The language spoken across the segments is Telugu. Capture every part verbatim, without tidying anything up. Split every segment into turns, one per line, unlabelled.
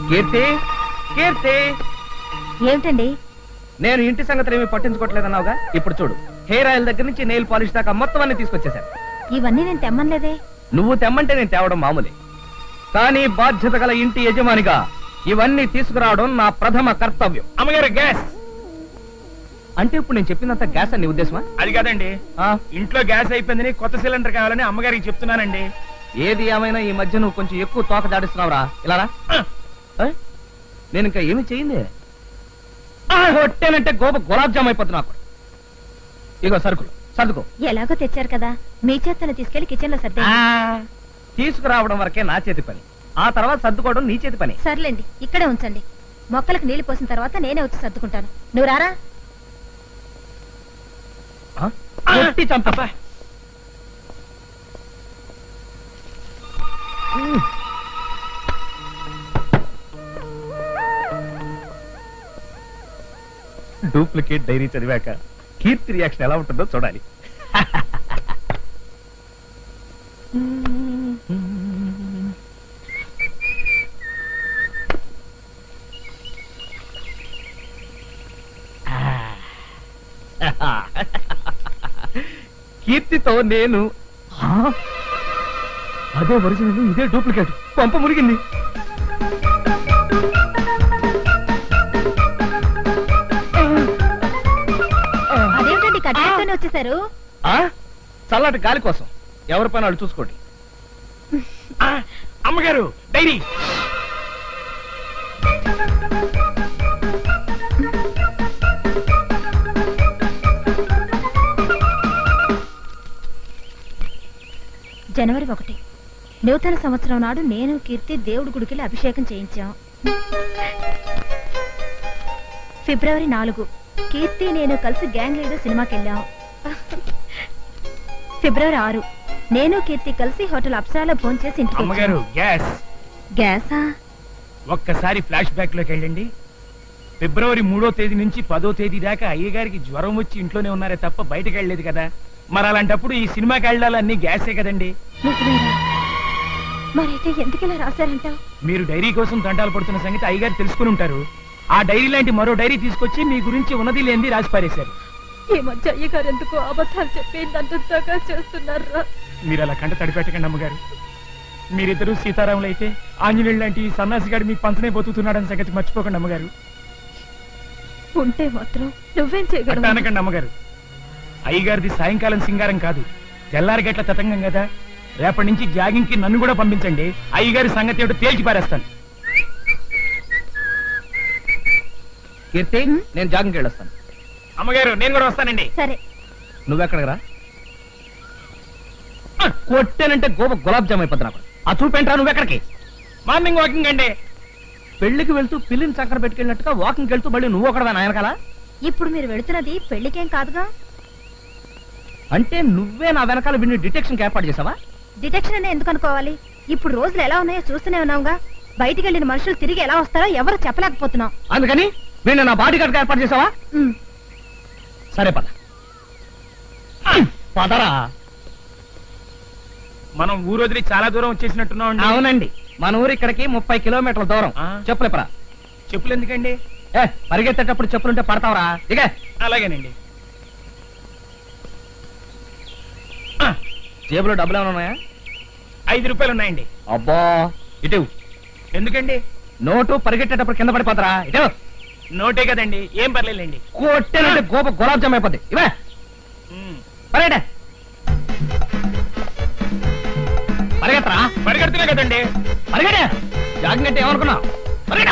కీర్తి, కీర్తి,
ఏమిటండి?
నేను ఇంటి సంగతులు ఏమీ పట్టించుకోవట్లేదన్నావుగా, ఇప్పుడు చూడు, హెయిర్ ఆయిల్ దగ్గర నుంచి నెయిల్ పాలిష్ దాకా మొత్తం అన్ని తీసుకొచ్చేసాను.
ఇవన్నీ నేను తెమ్మనలేదే.
నువ్వు తెమ్మంటే నేను తేవడం మామూలే, కానీ బాధ్యత గల ఇంటి యజమానిగా ఇవన్నీ తీసుకురావడం నా ప్రథమ కర్తవ్యం.
అమ్మగారు గ్యాస్
అంటే ఇప్పుడు నేను చెప్పినంత గ్యాస్ అని నీ ఉద్దేశమా?
అది కాదండి,
ఆ,
ఇంట్లో గ్యాస్ అయిపోయిందని కొత్త సిలిండర్ కావాలని అమ్మగారికి చెప్తున్నానండి.
ఏది ఏమైనా ఈ మధ్య నువ్వు కొంచెం ఎక్కువ తోక దాడిస్తున్నావురా. ఇలా రా. ఏ? నేను ఇంకా ఏమి చేయింది కొట్టేనంటే గోప గులాబ్ జామ్ అయిపోతున్నా. ఇగో సరుకులు సర్దుకో.
ఎలాగో తెచ్చారు కదా, మీ చేతను తీసుకెళ్లి కిచెన్ లో సర్దే.
ఆ, తీసుకురావడం వరకే నా చేతి పని, ఆ తర్వాత సర్దుకోవడం నీ చేతి పని.
సర్లేండి, ఇక్కడే ఉంచండి. మొక్కలకు నీళ్లు పోసిన తర్వాత నేనే వచ్చి సర్దుకుంటాను. నువ్వు రారా.
ఆ? కొట్టి చంపా. డూప్లికేట్ డైరీ చదివాక కీర్తి రియాక్షన్ ఎలా ఉంటుందో చూడాలి. కీర్తితో నేను అదే ఒరిజినల్, ఇదే డూప్లికేట్. పంప మురిగింది.
అదేమిటండి కట్టేస్తూనే వచ్చేసారు?
చల్లటి గాలి కోసం ఎవరి పని వాళ్ళు చూసుకోండి.
అమ్మగారు డైరీ.
జనవరి ఒకటి నూతన సంవత్సరం నాడు నేను కీర్తి దేవుడి గుడికి అభిషేకం చేయించాం. ఫిబ్రవరి నాలుగు కీర్తి నేను కలిసి గ్యాంగ్ లీడర్ సినిమాకి వెళ్ళాం. ఫిబ్రవరి ఆరు నేను కీర్తి కలిసి హోటల్ అప్సరాలో భోజనం చేసి ఇంటికి
అమ్మగారు గ్యాస్.
గ్యాసా?
ఒక్కసారి ఫ్లాష్ బ్యాక్ లోకి వెళ్ళండి. ఫిబ్రవరి మూడో తేదీ నుంచి పదో తేదీ దాకా అయ్యగారికి జ్వరం వచ్చి ఇంట్లోనే ఉన్నారే తప్ప బయటకు వెళ్ళలేదు కదా. మరి అలాంటప్పుడు ఈ సినిమాకి వెళ్ళాలన్నీ గ్యాసే కదండి.
మరైతే ఎందుకు ఇలా రాశారంటావు?
మీరు డైరీ కోసం దండాలు పడుతున్న సంగతి అయ్యగారు తెలుసుకుని ఉంటారు. ఆ డైరీ లాంటి మరో డైరీ తీసుకొచ్చి మీ గురించి ఉన్నది లేనిది రాసి పారేశారు.
ఈ మధ్య అయ్యగారు ఎందుకు అబద్ధాలు చెప్పి నందుగా చేస్తున్నారు?
మీరు అలా కంట తడిపెట్టకండి అమ్మగారు. మీరిద్దరూ సీతారాములు అయితే ఆంజనేయులు లాంటి ఈ సన్నాసిగాడు మీ పంచనే బతుకుతున్నాడని సంగతి మర్చిపోకండి అమ్మగారు.
ఉంటే మాత్రం నువ్వేం చేయగలవు?
అనకండి అమ్మగారు. అయ్యగారిది సాయంకాలం సింగారం కాదు, తెల్లారి గట్ల తతంగం కదా. రేపటి నుంచి జాగింగ్ కి నన్ను కూడా పంపించండి. అయ్యగారి సంగతి ఏమిటో తేల్చి పారేస్తాను.
కీర్తి, నేను జాగింగ్కి వెళ్ళొస్తాను.
అమ్మగారు నేను కూడా వస్తానండి.
సరే.
నువ్వెక్కడికి రా. కొట్టేనంటే గోప గులాబ్ జామ్ అయిపోతున్నా. ఆ చూపేంట్రా నువ్వెక్కడికి?
మార్నింగ్ వాకింగ్ అండి.
పెళ్లికి వెళ్తూ పిల్లిని చక్కర పెట్టుకెళ్ళినట్టుగా వాకింగ్కి వెళ్తూ మళ్ళీ నువ్వు ఒకడవా నాయనకాల?
ఇప్పుడు మీరు వెళుతున్నది పెళ్లికేం కాదుగా.
అంటే నువ్వే నా వెనకాల విని డిటెక్షన్ ఏర్పాటు చేసావా?
డిటెక్షన్ అనే ఎందుకు అనుకోవాలి? ఇప్పుడు రోజులు ఎలా ఉన్నాయో చూస్తూనే ఉన్నావుగా. బయటికి వెళ్ళిన మనుషులు తిరిగి ఎలా వస్తారో ఎవరు చెప్పలేకపోతున్నాం.
అందుకని వీళ్ళు నా బాడీ గార్డ్ ఏర్పాటు చేసావా? సరే పద. పదరా.
మనం ఊరు వదిలి చాలా దూరం వచ్చేసినట్టున్నాం.
అవునండి, మన ఊరు ఇక్కడికి ముప్పై కిలోమీటర్ల దూరం. చెప్పులేపరా.
చెప్పులు ఎందుకండి?
ఏ పరిగెత్తేటప్పుడు చెప్పులుంటే పడతావరా? ఇక
అలాగేనండి.
జేబులో డబ్బులు ఏమైనా ఉన్నాయా?
ఐదు రూపాయలు ఉన్నాయండి.
అబ్బా, ఇటు.
ఎందుకండి?
నోటు పరిగెట్టేటప్పుడు కింద పడిపోతారా? ఇటు.
నోటే కదండి, ఏం పర్లేదండి.
కొట్టేనంటే గోప గులాబ్ జామ్ అయిపోద్ది. ఇవే పరిగెట్ట. పరిగెత్తరా.
పరిగెడుతున్నా కదండి.
పరిగెట. జాగింగ్ అంటే ఏమనుకున్నావు? పరిగెట.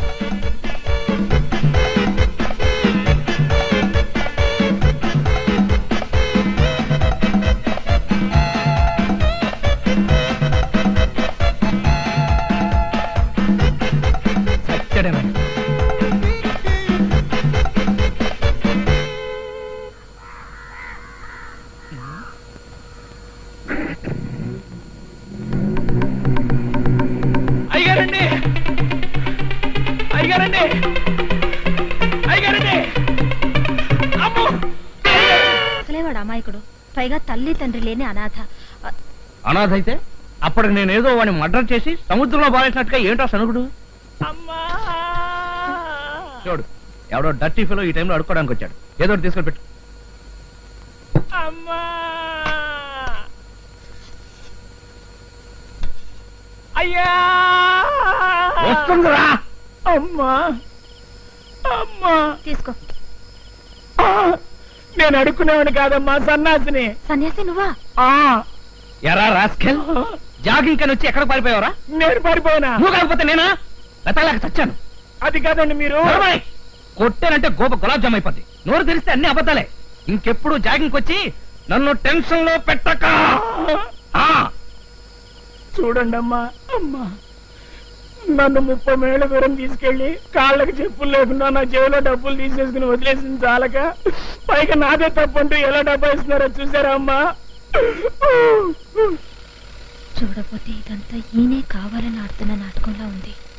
అయ్యగారండి, అయ్యగారండి, అయ్యగారండి.
అసలే వాడు అమాయకుడు, పైగా తల్లి తండ్రి లేని అనాథ.
అనాథ అయితే అప్పటికి నేనేదో వాడిని మర్డర్ చేసి సముద్రంలో బారేసినట్టుగా ఏంటో సనుగుడు.
అమ్మా
చూడు ఎవడో డర్టీ ఫిలో ఈ టైంలో అడుక్కోవడానికి వచ్చాడు. ఏదో ఒకటి తీసుకొని పెట్టు.
అమ్మా అయ్యా
వస్తుందిరా.
అమ్మా అమ్మా
తీసుకో.
ఆ, నేను అడుక్కునేవాడిని కాదమ్మా, సన్నాసిని.
సన్యాసి నువ్వా?
ఆ
ఎరా రాస్కెల్, జాగింగ్ కని వచ్చి ఎక్కడ పారిపోయావరా?
నేను పారిపోయినా?
నువ్వు కాకపోతే నేనా? వెతలేక చచ్చాను.
అది కాదండి మీరు.
నడవయ్. కొట్టానంటే గోప గులాబ్ జామ్ అయిపోద్ది. నోరు తెరిస్తే అన్ని అబద్ధాలే. ఇంకెప్పుడు జాగింగ్ వచ్చి నన్ను టెన్షన్ లో పెట్టక. ఆ
చూడండి అమ్మా, అమ్మా నన్ను ముప్పై మేళ్ల దూరం తీసుకెళ్లి కాళ్ళకి చెప్పులు లేకుండా నా జేబులో డబ్బులు తీసేసుకుని వదిలేసింది చాలక పైగా నాదే తప్పంటూ ఎలా డబ్బా ఇస్తున్నారో చూసారా అమ్మా?
చూడపోతే ఇదంతా ఈయనే కావాలని ఆడుతున్న నాటకంలా ఉంది.